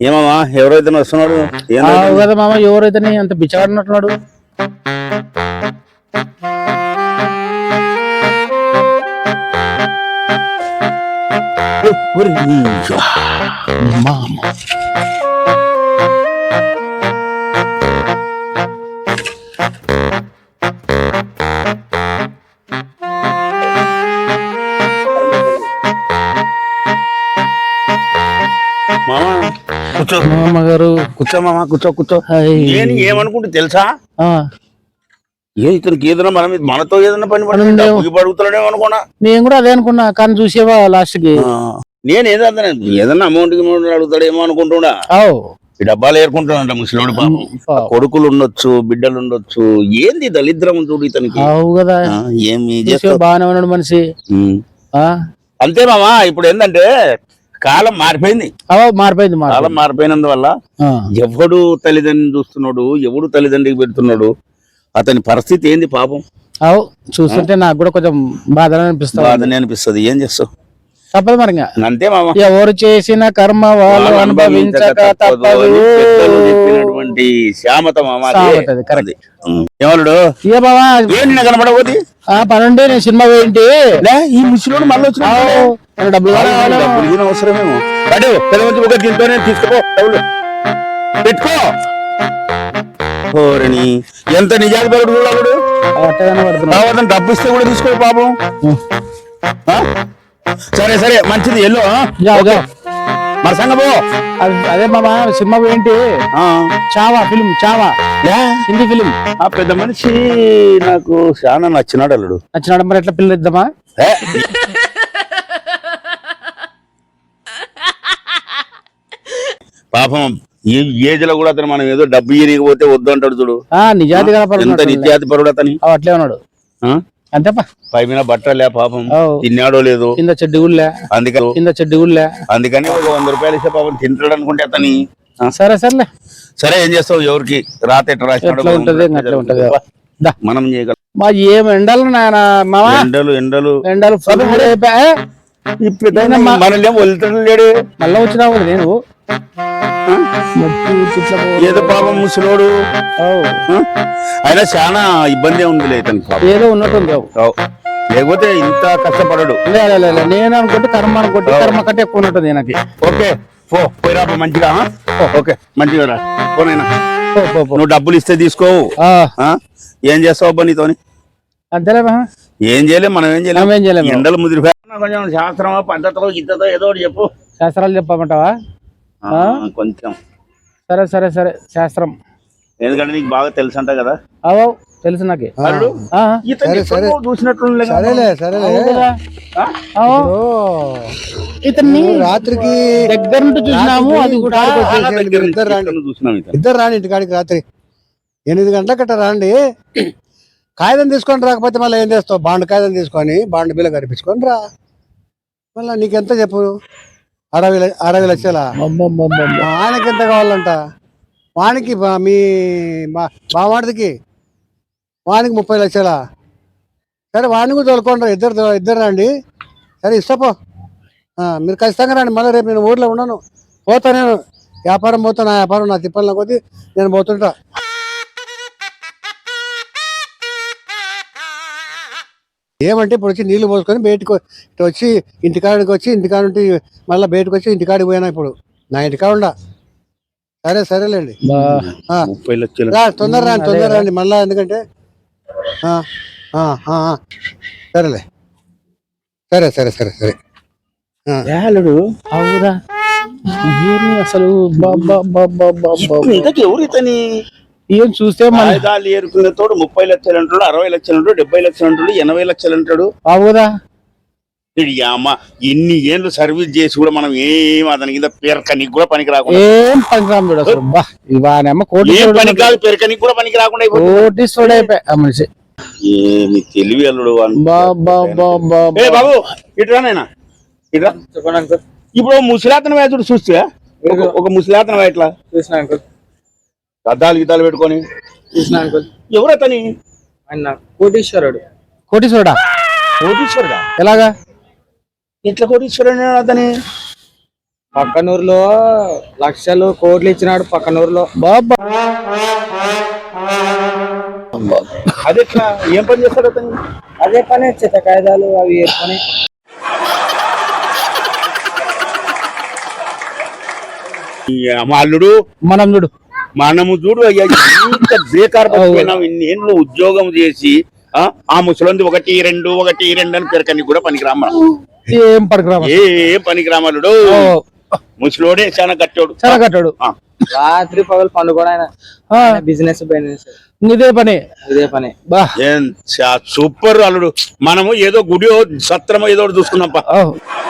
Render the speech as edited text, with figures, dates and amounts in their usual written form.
ఏమమ్మా ఎవరైతే వస్తున్నాడు కదా మామ, ఎవరైతే అంత బిచ్చగాడున్నట్టున్నాడు. కూర్చో మామగారు కూర్చో మామా కూర్చో నేను ఏమనుకుంటే తెలుసా ఇతనికి ఏదైనా మనతో ఏదైనా పని పడుగుతున్నాడేమో అనుకున్నా. నేను కూడా అదే అనుకున్నా, కానీ చూసేవా లాస్ట్ కి నేను ఏదన్నా అమౌంట్ అడుగుతాడేమో అనుకుంటున్నా. ఈ డబ్బాలు ఏరుకుంటాడంట ముసలివాడు పాపం. కొడుకులు ఉండొచ్చు, బిడ్డలు ఉండొచ్చు. ఏంది దళిద్రం చూడు ఇతనికి. కదా ఏమి బాగానే ఉన్నాడు మనిషి. అంతే మామా. ఇప్పుడు ఏంటంటే కాలం మారిపోయింది. కాలం మారిపోయినందువల్ల ఎవడు తల్లిదండ్రిని చూస్తున్నాడు, ఎవడు తల్లిదండ్రికి పెడుతున్నాడు, అతని పరిస్థితి ఏంది పాపం. చూస్తుంటే నాకు కూడా కొంచెం బాధనే అనిపిస్తుంది. ఏం చేస్తావు, తప్పదు మరి. అంతే మామ. ఎవరు చేసిన కర్మ వాళ్ళు అనుభవించక తప్పదు చెప్పినటువంటి శ్యామత మామ. ఏమలుడు ఏ బావా కనపడబోది పనుండి నేను సినిమా పోయింటి. ఈ ముసలివాడు మళ్ళీ వచ్చిన డబ్బులు అవసరమేమో. దీంతోనే తీసుకో, డబ్బులు పెట్టుకో. ఎంత నిజాలు పడు చూడాడు. డబ్బు ఇస్తే కూడా తీసుకో పాపం. సరే సరే మంచిది, ఎల్లో మరి సంగపో. అదే మామా సినిమా ఏంటి, చావా ఫిలిం, చావా హిందీ ఫిలిం. ఆ పెద్ద మనిషి నాకు చాలా నచ్చినాడు. అల్లుడు నచ్చినాడు. మరి ఎట్లా పిల్లలు ఇద్దామా? పాపం ఈ ఏజ్ లో కూడా అతను మనం ఏదో డబ్బు ఇరిగిపోతే వద్దు అంటాడు చూడు. నిజాతి ఎంత నిజాతి పరుడు అతని. అట్లే ఉన్నాడు అంతేపా. పై మీద బట్టలే పాపం, తిన్నాడో లేదు, కింద చెడ్డి గుళ్ళే, అందుకని ఒక 100 రూపాయలు ఇస్తే పాపం తింటాడు అనుకుంటే అతని. సరే సర్లే సరే, ఏం చేస్తావు, ఎవరికి రాత ఎట్లా రాసినాడు ఉంటది. మనం చేయగలం. మా ఏం ఎండలు నాయన మామా, ఎండలు మనల్ని వదులుతాడు. మళ్ళా వచ్చినావు నేను ఏదో పాపం ముసలోడు. అయినా చాలా ఇబ్బంది ఉంది ఇతనికి. ఏదో ఉన్నట్టుంది, లేకపోతే ఇంత కష్టపడడు. నేను అనుకుంటే కర్మ అనుకుంటే కర్మ కట్టే ఎక్కువ ఉన్నట్టుంది నాకు. ఓకే పోయిరా మంచిగా. ఓకే మంచిగా రా పోనైనా. నువ్వు డబ్బులు ఇస్తే తీసుకోవు. ఏం చేస్తావు నీతోని? అంతేలే. ఏం చేయలేము మనం, ఏం చేయలేము. ఎండలు ముదిరిపోయి కొంచెం శాస్త్రమో పద్ధతిలో గిద్దతో ఏదో ఒకటి చెప్పు. శాస్త్రాలు చెప్పమంటావా? కొంచెం సరే సరే సరే శాస్త్రం. ఎందుకంటే నీకు బాగా తెలుసు అంట కదా. తెలుసు నాకు. చూసినట్లు ఇతన్ని రాత్రికి దగ్గర నుండి చూసినాము. అది కూడా ఇద్దరు రాండి ఇంటికాడికి రాత్రి 8 గంటల కట్ట రాండి. కాగితం తీసుకొని రాకపోతే మళ్ళీ ఏం చేస్తావు? బాండ్ కాగితం తీసుకొని బాండ్ బిల్ల కనిపించుకొని రా. మళ్ళీ నీకెంత చెప్పు? 60 లక్షల. ఆయనకి ఎంత కావాలంట? వానికి మీ బావాడికి వానికి 30 లక్షల. సరే వాడిని కూడా తోలుకోండి, ఇద్దరు రండి. సరే ఇష్టపో, మీరు ఖచ్చితంగా రండి. మళ్ళీ రేపు నేను ఊర్లో ఉన్నాను, పోతా. నేను వ్యాపారం పోతా, నా వ్యాపారం నా తిప్పల కొద్దీ నేను పోతుంటా. ఏమంటే ఇప్పుడు వచ్చి నీళ్లు పోసుకొని బయటకు వచ్చి ఇంటికాడికి వచ్చి ఇంటికాడ నుండి మళ్ళీ బయటకు వచ్చి ఇంటికాడికి పోయినా. ఇప్పుడు నా ఇంటికాడ ఉండా. సరేలేండి. 30 లక్షలు తొందర రండి మళ్ళా. ఎందుకంటే సరేలే. సరే సరే సరే సరే అవురా అసలు ఎవరు ఇతని ఏం చూస్తే ఏరుకునే తోడు 30 లక్షలు అంటాడు, 60 లక్షలు అంటాడు, 70 లక్షలు అంటాడు, 80 లక్షలు అంటాడు. అవుదా? అమ్మ ఇన్ని ఏళ్ళు సర్వీస్ చేసి కూడా మనం ఏం అతని కింద పేరకనికి కూడా పనికి రాకుండా పేరకనికి కూడా పనికి రాకుండా మనిషి. ఏమి తెలివి అల్లుడు బాబు. ఇట్రానైనా ఇట్రా. ఇప్పుడు ముసలాతన వేతుడు చూస్తే ఒక ముసలాతన ఎట్లా చూసిన అంకుల్, అద్దాలు గీతాలు పెట్టుకొని చూసిన అంకుల్. ఎవరు అతని? కోటీశ్వరుడా? కోటీశ్వరుడా? ఎలాగా? ఎట్లా కోటీశ్వరుడు అతని? పక్కనూరులో లక్షలు కోట్లు ఇచ్చినాడు పక్కనూరులో. బాబా అదే ఏం పని చేస్తాడు అతను? అదే పని చెత్త కాయిదాలు అవి వేసుకొని. మా అల్లుడు మనం చూడు మనము చూడు అయ్యా, ఇంత బేకార్ పడిపోయినావు. ఇన్నేళ్ళు ఉద్యోగం చేసి ఆ ముసలింది 1, 2 అని పెరకని కూడా పనికిరామ. ఏం పడకరా ఏ పనికిరామలుడు ముసలోడే చాలా కట్టాడు. చాలా కట్టాడు. రాత్రి పగలు పండుగ బిజినెస్ ఇదే పని ఇదే పని. బా సూపర్ అల్లుడు. మనము ఏదో గుడి సత్రమో ఏదో చూసుకున్నాం.